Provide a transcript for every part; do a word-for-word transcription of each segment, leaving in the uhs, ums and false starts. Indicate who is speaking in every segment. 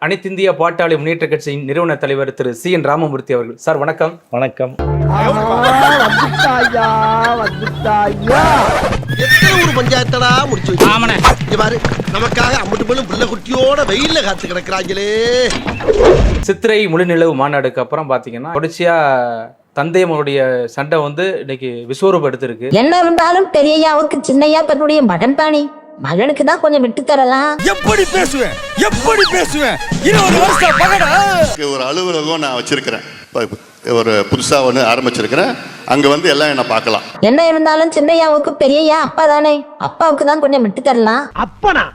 Speaker 1: அனைத்திந்திய பாட்டாளி முன்னேற்ற கட்சியின் நிறுவன தலைவர் திரு சி என் ராமமூர்த்தி அவர்கள். சார் வணக்கம்.
Speaker 2: வணக்கம்.
Speaker 3: ஒரு பஞ்சாயத்தடா முடிச்சு பாரு, நமக்காக அம்பட்டு போலும் பிள்ளை குட்டியோட வெயில்ல காத்து கிடக்குறாங்களே.
Speaker 1: சித்திரை முழுநிலவு மாநாடுக்கு அப்புறம் பாத்தீங்கன்னா தொடர்ச்சியா தந்தையமனுடைய சண்டை வந்து இன்னைக்கு விஸ்வரூபம் எடுத்திருக்கு. என்ன
Speaker 4: இருந்தாலும் பெரியய்யாவுக்கு சின்னையா தன்னுடைய மகன் தானே, மகனுக்கு தான் கொஞ்சம் விட்டு தரலாம்.
Speaker 5: எப்படி பேசுவேன் எப்படி பேசுவேன் இருபது வருஷம் பகடா.
Speaker 6: ஒரு அலுவலகம் நான் வச்சிருக்கிறேன், ஒரு புதுசா ஒன்று ஆரம்பிச்சிருக்கிறேன். அங்க வந்து எல்லாம் என்ன பார்க்கலாம்.
Speaker 4: என்ன இருந்தாலும் சின்னையாவுக்கு பெரியய்யா அப்பா தானே, அப்பாவுக்கு தான் கொஞ்சம் விட்டு தரலாம்.
Speaker 3: அப்பனா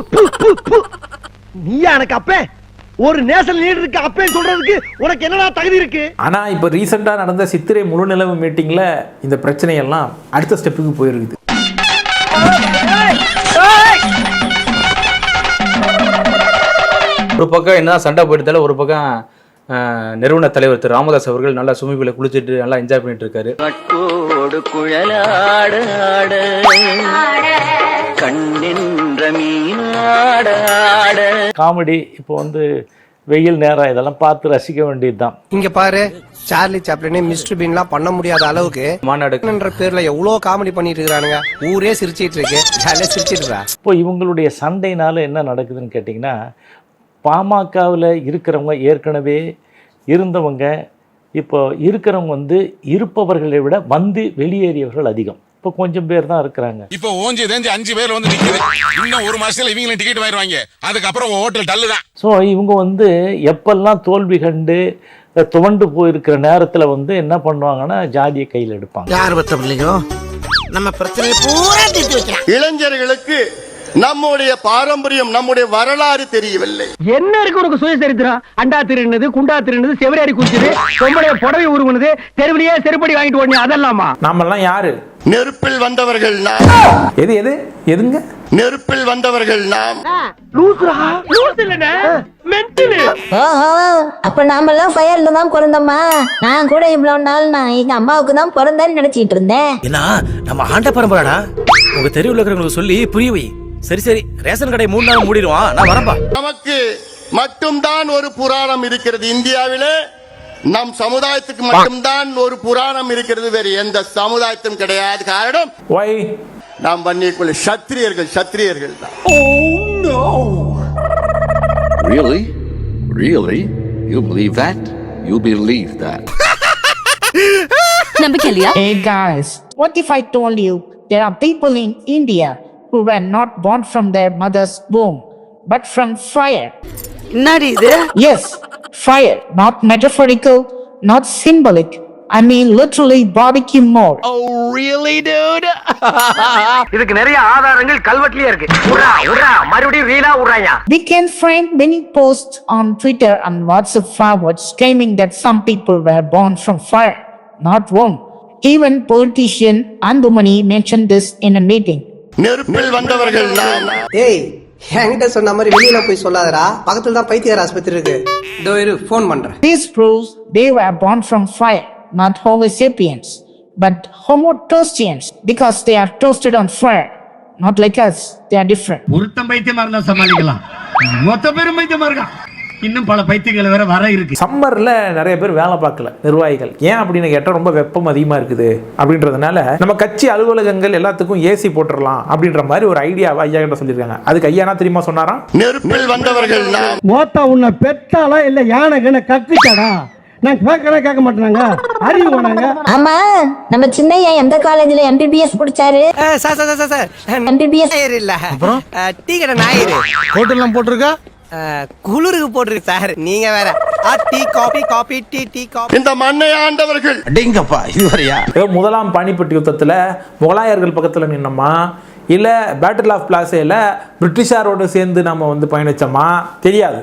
Speaker 3: நீயா எனக்கு அப்பே? ஒரு நேஷனல் லீடர் இருக்கு அப்பேன்னு சொல்றதுக்கு உனக்கு என்னடா தகுதி இருக்கு?
Speaker 2: ஆனா இப்ப ரீசெண்டா நடந்த சித்திரை முழுநிலவு மீட்டிங்ல இந்த பிரச்சனை எல்லாம் அடுத்த ஸ்டெப்புக்கு போயிருக்குது.
Speaker 1: ஒரு பக்கம் என்ன சண்டை போயிட்டாலும் ஒரு பக்கம் நிறுவன தலைவர் திரு ராமதாஸ் அவர்கள் நல்லா சுமிபில குளிச்சுட்டு நல்லா என்ஜாய் பண்ணிட்டு இருக்காரு.
Speaker 2: காமெடி இப்போ வந்து வெயில் நேரம் இதெல்லாம் பார்த்து ரசிக்க வேண்டியதுதான்.
Speaker 7: இங்க பாரு, சார்லி சாப்ளினே மிஸ்டர் பீன்லாம் பண்ண முடியாத அளவுக்கு மாநாடுன்ற பேர்ல எவ்வளவு காமெடி பண்ணிட்டு இருக்கானுங்க. ஊரே சிரிச்சிட்டு இருக்கு, ஜாலியா சிரிச்சிட்டு.
Speaker 2: இப்போ இவங்களுடைய சண்டைனால என்ன நடக்குதுன்னு கேட்டிங்கன்னா, பாமகவில் இருக்கிறவங்க ஏற்கனவே இருந்தவங்க இப்போ இருக்கிறவங்க வந்து இருப்பவர்களை விட வந்து வெளியேறியவர்கள் அதிகம். இப்போ கொஞ்சம் பேர் தான் இருக்கிறாங்க.
Speaker 5: இப்போ ஓஞ்சி தேஞ்சி அஞ்சு பேர் வந்து நிக்குது. இன்னும் ஒரு மாசத்துல இவங்க டிக்கெட் வாங்கிடுவாங்க. அதுக்கப்புறம் ஹோட்டல் டல்லு தான்.
Speaker 2: ஸோ இவங்க வந்து எப்பெல்லாம் தோல்வி கண்டு துவண்டு போயிருக்கிற நேரத்தில் வந்து என்ன பண்ணுவாங்கன்னா ஜாதியை கையில் எடுப்பாங்க.
Speaker 3: யார் பத்த பிள்ளைங்க நம்ம பிரச்சனையை பூரா தீர்த்து வைக்கலாம்.
Speaker 6: இளைஞர்களுக்கு நம்முடைய பாரம்பரியம் நம்முடைய வரலாறு தெரியவில்லை.
Speaker 3: என்ன இருக்கு உனக்கு சுயசரித்திரம்? அண்டா திருநது, குண்டா திருநது, செவரேறி குடிச்சது, பொம்பளைய புடவை உருவனது, தெருவிலேயே செருப்படி வாங்கிட்டு ஓடனே அதெல்லாமா?
Speaker 2: நாமெல்லாம் யாரு?
Speaker 6: நெருப்பில் வந்தவர்கள் நாம்.
Speaker 2: எது எது எதுங்க?
Speaker 6: நெருப்பில் வந்தவர்கள் நாம்.
Speaker 4: அப்ப நாம எல்லாம் ஃபயர்ல தான் பிறந்தோமா? நான் கூட இவ்வளவு நாள் நான் எங்க அம்மாவுக்கு தான் பிறந்தேன்னு நினைச்சிட்டு இருந்தேன்.
Speaker 8: ஏன்னா நம்ம ஆண்ட பரம்பராடா. உங்க தெருவுல இருக்கிறவங்களுக்கு சொல்லி புரிய வை. சரி சரி, ரேஷன் கடை மூணு நாள் மூடிடுவான், நான் வரப்பா.
Speaker 6: நமக்கு மட்டும்தான் ஒரு புராணம் இருக்கிறது இந்தியாவிலே. நம் சமுதாயத்துக்கு மட்டும்தான் ஒரு புராணம் இருக்கிறது, வேறு எந்த சமுதாயத்தும் கிடையாது. காரணம்
Speaker 2: Why?
Speaker 6: நாம் பண்ணிக்குள்ள சத்திரியர்கள் சத்திரியர்கள் தான்.
Speaker 9: Oh no! Really? Really? You believe that? You believe that?
Speaker 10: Hey guys, what if I told you there are people in India who were not born from their mother's womb but from fire? Yes, fire, not metaphorical, not symbolic. I mean literally barbecue mode.
Speaker 3: Oh really dude? இதுக்கு நிறைய ஆதாரங்கள் கல்வெட்டுலயே இருக்கு. உரா உரா மறுபடியும் ரீலா உறாயா.
Speaker 10: We can find many posts on Twitter and WhatsApp forwards claiming that some people were born from fire, not womb. Even politician Andumani mentioned this in a meeting.
Speaker 6: நெருப்பில் வந்தவர்கள் நாம்.
Speaker 7: ஏய், என்கிட்ட சொன்ன மாதிரி வெளியில போய் சொல்லாதடா, பக்கத்துல தான் பைத்தியர் ஆஸ்பத்திரி இருக்கு. இதோ இரு, ஃபோன் பண்றேன்.
Speaker 10: This proves they were born from fire, not Homo sapiens, but Homo toastians, because they are toasted on fire, not like us. They are different.
Speaker 3: ஒருத்தன் பைத்தியமா இருந்தா சமாளிக்கலாம், மொத்த பேரும் பைத்தியமா இருக்கா. இன்னும் பல பைத்தியங்கள் வேற வர இருக்கு.
Speaker 2: சம்மர்ல நிறைய பேர் வேலை பார்க்கல நிர்வாகிகள். ஏன் அப்படின்னு கேட்டா ரொம்ப வெப்பம் அதிகமா இருக்குது அப்படின்றதுனால நம்ம கட்சி அலுவலகங்கள் எல்லாத்துக்கும் ஏசி போட்டுடலாம் அப்படின்ற மாதிரி ஒரு ஐடியாவை ஐயா கிட்ட சொல்லியிருக்காங்க. அதுக்கு ஐயா என்ன தெரியுமா சொன்னாராம்?
Speaker 6: நெருப்பில் வந்தவர்கள் நாம்.
Speaker 3: மோத்தா உன்னை பெத்தாலா இல்ல யானை கண்ண கக்குச்சாடா? நான் கேட்கறேன், கேட்க மாட்டேனாங்க, அறிவு வேணாங்க.
Speaker 4: ஆமா, நம்ம சின்னையா எந்த காலேஜ்ல எம்பிபிஎஸ் படிச்சாரு?
Speaker 7: Sir sir sir sir
Speaker 4: MBBS
Speaker 7: இல்ல, அப்புறம் டீ கடை நாயிரு
Speaker 3: ஹோட்டல்லாம் போட்டிருக்கா,
Speaker 7: குளிருக்கு போட்டிருக்கு சார். நீங்க வேற tea coffee coffee tea tea coffee.
Speaker 6: இந்த மண்ணை ஆண்டவர்கள்
Speaker 3: அடேங்கப்பா, இதுவரையா?
Speaker 2: முதலாம் பானிபட் யுத்தத்துல முகலாயர்கள் பக்கத்துல நின்னோமா இல்ல பேட்டில் ஆஃப் பிளாஸேல பிரிட்டிஷாரோடு சேர்ந்து நம்ம வந்து பயணிச்சோமா தெரியாது.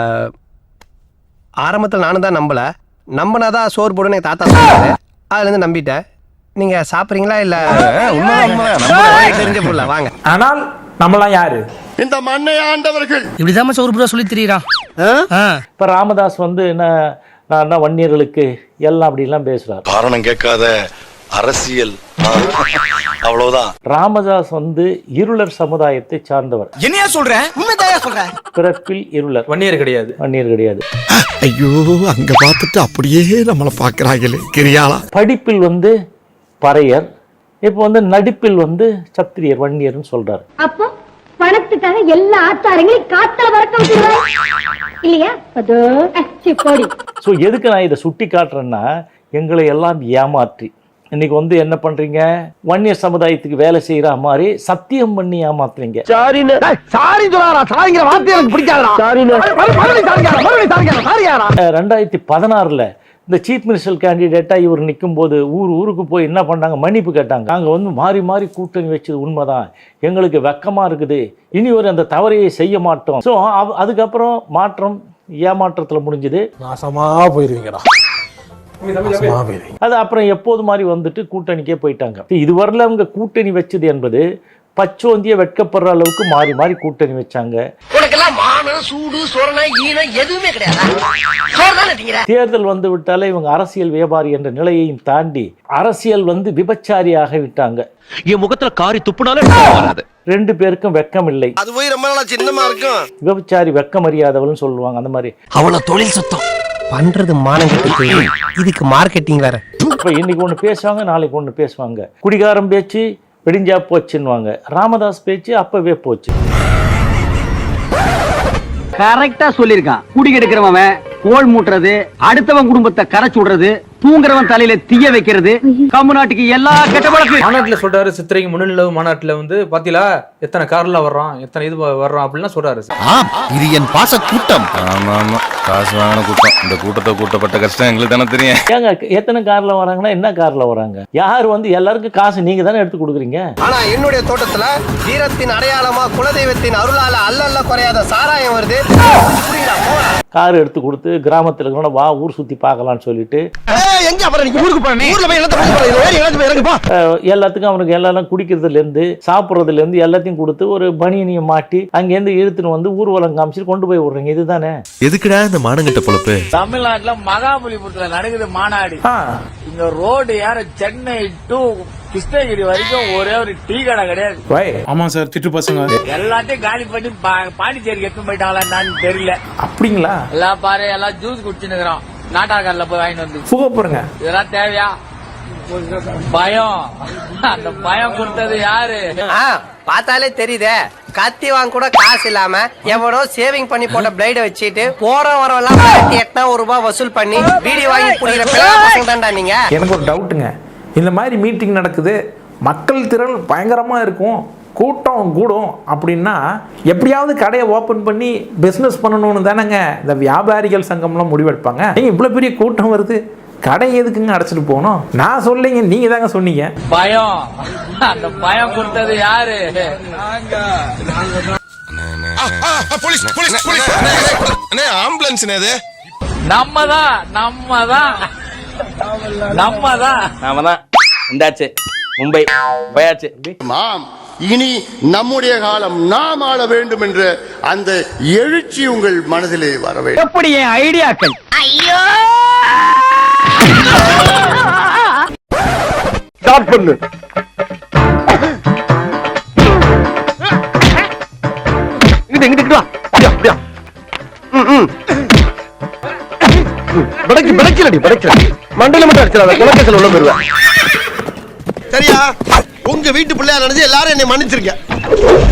Speaker 7: ஆரம்பத்தில் நானும் தான் நம்பல, நம்பினாதான் சோறு போடுன்னு தாத்தா சொன்னாரு. அதுல இருந்து நம்பிட்டேன். நீங்க சாப்பிடுறீங்களா இல்ல? தெரிஞ்ச புள்ள வாங்க.
Speaker 2: ஆனால் நம்மளாம் யாரு?
Speaker 6: இந்த மண்ணை ஆண்டவர்கள்.
Speaker 8: இப்படிதான் சோறு புறா சொல்லி தெரியுறான்.
Speaker 2: இப்ப ராமதாஸ் வந்து என்ன நான் வன்னியர்களுக்கு எல்லாம் அப்படி எல்லாம் பேசுறாரு.
Speaker 11: காரணம் கேட்காத அரசியல்
Speaker 8: அவ்வளவுதான்.
Speaker 2: ராமதாஸ் வந்து இருளர் சமுதாயத்தை சார்ந்தவர்.
Speaker 8: என்னையா சொல்றேன்? உண்மைதாயா சொல்றேன்.
Speaker 2: பிறப்பில் இருளர்,
Speaker 1: வன்னியர் கிடையாது.
Speaker 2: வன்னியர் கிடையாது.
Speaker 8: ஐயோ, அங்க பார்த்துட்டு அப்படியே நம்மள பாக்குறாங்களே கிரியாளா.
Speaker 2: படிப்பில் வந்து பறையர், இப்போ வந்து நடிப்பில் வந்து சத்திரியர், வன்னியர்னு சொல்றாரு.
Speaker 4: அப்போ பணத்துக்காக எல்லா ஆத்தாரங்களையும் காத்தா வரக்க விட்டுருவாங்க இல்லையா? அதோ போடி.
Speaker 2: ஸோ எதுக்கு நான் இதை சுட்டி காட்டுறேன்னா, எங்களை எல்லாம் ஏமாற்றி இன்னைக்கு வந்து என்ன பண்றீங்க, வன்னியர் சமுதாயத்துக்கு வேலை செய்யற மாதிரி சத்தியம் பண்ணி ஏமாத்துறீங்க. ரெண்டாயிரத்தி பதினாறுல இந்த சீஃப் மினிஸ்டர் கேண்டிடேட்டா இவர் நிற்கும் போது ஊர் ஊருக்கு போய் என்ன பண்ணாங்க, மன்னிப்பு கேட்டாங்க. நாங்கள் வந்து மாறி மாறி கூட்டணி வச்சது உண்மைதான், எங்களுக்கு வெக்கமா இருக்குது, இனி ஒரு அந்த தவறையை செய்ய மாட்டோம். ஸோ அதுக்கப்புறம் மாற்றம் ஏமாற்றத்தில் முடிஞ்சது.
Speaker 8: நாசமா போயிருவீங்கடா.
Speaker 2: அது அப்புறம் எப்போது மாதிரி வந்துட்டு கூட்டணிக்கே போயிட்டாங்க. இதுவரையில் அவங்க கூட்டணி வச்சது என்பது பச்சோந்திய வெட்கப்படுற அளவுக்கு மாறி மாறி கூட்டணி வச்சாங்க. தேர்தல் வந்து விட்டாலே இவங்க அரசியல் வியாபாரி என்ற நிலையையும் தாண்டி அரசியல் வந்து விபச்சாரியாக விட்டாங்க.
Speaker 3: என் முகத்துல காரி துப்புனாலே
Speaker 2: ரெண்டு பேருக்கும் வெக்கம் இல்லை.
Speaker 7: அது போய் ரொம்ப நாளா சின்னமா இருக்கும்.
Speaker 2: விபச்சாரி வெக்கம் அறியாதவள்னு சொல்லுவாங்க. அந்த மாதிரி
Speaker 8: அவ்வளவு தொழில் சுத்தம்
Speaker 7: பண்றது மானங்கெட்ட இதுக்கு மார்க்கெட்டிங் வேற.
Speaker 2: இப்ப இன்னைக்கு ஒண்ணு பேசுவாங்க, நாளைக்கு ஒண்ணு பேசுவாங்க. குடிகாரம் பேச்சு வெடிஞ்சா போச்சுன்னுவாங்க. ராமதாஸ் பேச்சு அப்பவே போச்சு.
Speaker 3: கரெக்டா சொல்லிருக்கான். குடி கெடுக்கிறவன், கோல் மூட்டுறது, அடுத்தவன் குடும்பத்தை கரைச்சு விடுறது, தூங்குறவன் தலையில தீய வைக்கிறது, கம்முநாட்டுக்கு எல்லா கெட்ட பழக்கம்.
Speaker 1: மாநாட்டுல சொல்றாரு, சித்திரைக்கு முன்னிலவு மாநாட்டுல வந்து பாத்தீங்களா எத்தனை கார்ல வர்றோம், எத்தனை இது வர்றோம் அப்படின்னா சொல்றாரு.
Speaker 8: இது என் பாச கூட்டம்.
Speaker 5: ஆமா ஆமா, காசு வாங்கின கூட்டம். இந்த கூட்டத்தை கூட்டப்பட்ட கஷ்டம் எங்களுக்கு தானே தெரியும்.
Speaker 2: ஏங்க எத்தனை கார்ல வராங்கன்னா என்ன கார்ல வராங்க? யார் வந்து எல்லாருக்கும் காசு நீங்க தானே எடுத்து கொடுக்குறீங்க.
Speaker 7: ஆனா என்னுடைய தோட்டத்துல வீரத்தின் அடையாளமா குலதெய்வத்தின் அருளால அல்லல்ல குறையாத சாராயம் வருது.
Speaker 2: கார் எடுத்து கொடுத்து கிராமத்துல இருக்கணும், வா ஊர் சுத்தி பார்க்கலாம்னு சொல்லிட்டு எல்லாத்துக்கும் அவனுக்கு எல்லாம் குடிக்கிறதுல இருந்து சாப்பிட்றதுல இருந்து எல்லாத்தையும் கொடுத்து ஒரு பனியனியை மாட்டி அங்கேருந்து இழுத்துன்னு வந்து ஊர்வலம் காமிச்சிட்டு கொண்டு போய் விடுறீங்க. இதுதானே
Speaker 8: எதுக்குடா இந்த மானங்கட்ட பொழப்பு?
Speaker 3: தமிழ்நாட்டுல மகாபலிபுரத்துல நடக்குது மாநாடு. இந்த ரோடு யார சென்னை டு கிருஷ்ணகிரி வரைக்கும் ஒரே ஒரு டீ கடை கிடையாது.
Speaker 1: ஆமா சார், திட்டு பசங்க
Speaker 3: எல்லாத்தையும் காலி பண்ணி பாண்டிச்சேரிக்கு எடுத்து போயிட்டாங்களான்னு தெரியல.
Speaker 1: அப்படிங்களா?
Speaker 3: எல்லாம் பாரு, எல்லாம் ஜூஸ் குடிச்சுன்னு நாட்டாக்காரில போய் வாங்கிட்டு வந்து
Speaker 1: புக போறங்க.
Speaker 3: இதெல்லாம் தேவையா? பயம். அந்த பயம் கொடுத்தது யாரு?
Speaker 7: பார்த்தாலே தெரியுதே, கத்தி வாங்க கூட காசு இல்லாம எவனோ சேவிங் பண்ணி போட்ட பிளேட வச்சுட்டு போற வரவெல்லாம் எட்டனா ஒரு ரூபாய் வசூல் பண்ணி வீடியோ வாங்கி புடிக்கிற பசங்க தான்டா நீங்க.
Speaker 11: எனக்கு ஒரு டவுட்டுங்க, இந்த மாதிரி மீட்டிங் நடக்குது, மக்கள் திரள் பயங்கரமா இருக்கும், கூட்டம் கூடும் அப்படின்னா எப்படியாவது கடையை ஓப்பன் பண்ணி பிஸ்னஸ் பண்ணணும்னு தானேங்க இந்த வியாபாரிகள் சங்கம்லாம் முடிவெடுப்பாங்க. நீங்கள் இவ்வளோ பெரிய கூட்டம் வருது, கடை எதுக்குங்க அடைச்சிட்டு போகணும்? நான் சொல்லிங்க, நீங்க தாங்க சொன்னீங்க.
Speaker 3: பயம். அந்த பயம் கொடுத்தது யாரு?
Speaker 5: ஆம்புலன்ஸ்
Speaker 3: நம்ம தான் நம்ம தான் நம்ம தான்
Speaker 1: நாம தான். இந்தாச்சு மும்பை போயாச்சு.
Speaker 6: மாம், இனி நம்முடைய காலம் நாம் ஆள வேண்டும் என்ற அந்த எழுச்சி உங்கள் மனதிலே வர வேண்டும்.
Speaker 3: எப்படி என் ஐடியாக்கள்?
Speaker 4: ஐயோ
Speaker 3: ஸ்டார்ட் பண்ணு. இங்கிட்டு இங்கிட்டு வா. அப்படியா அப்படியா. ம் ம். படக்கு படக்கலடி படக்கல. மண்டையில மட்டும் அடிச்சறாத, குலக்கேசல் உள்ள போடுவேன்.
Speaker 7: சரியா? உங்க வீட்டு பிள்ளையா நினைச்சு எல்லாரும் என்னை மன்னிச்சிருக்க.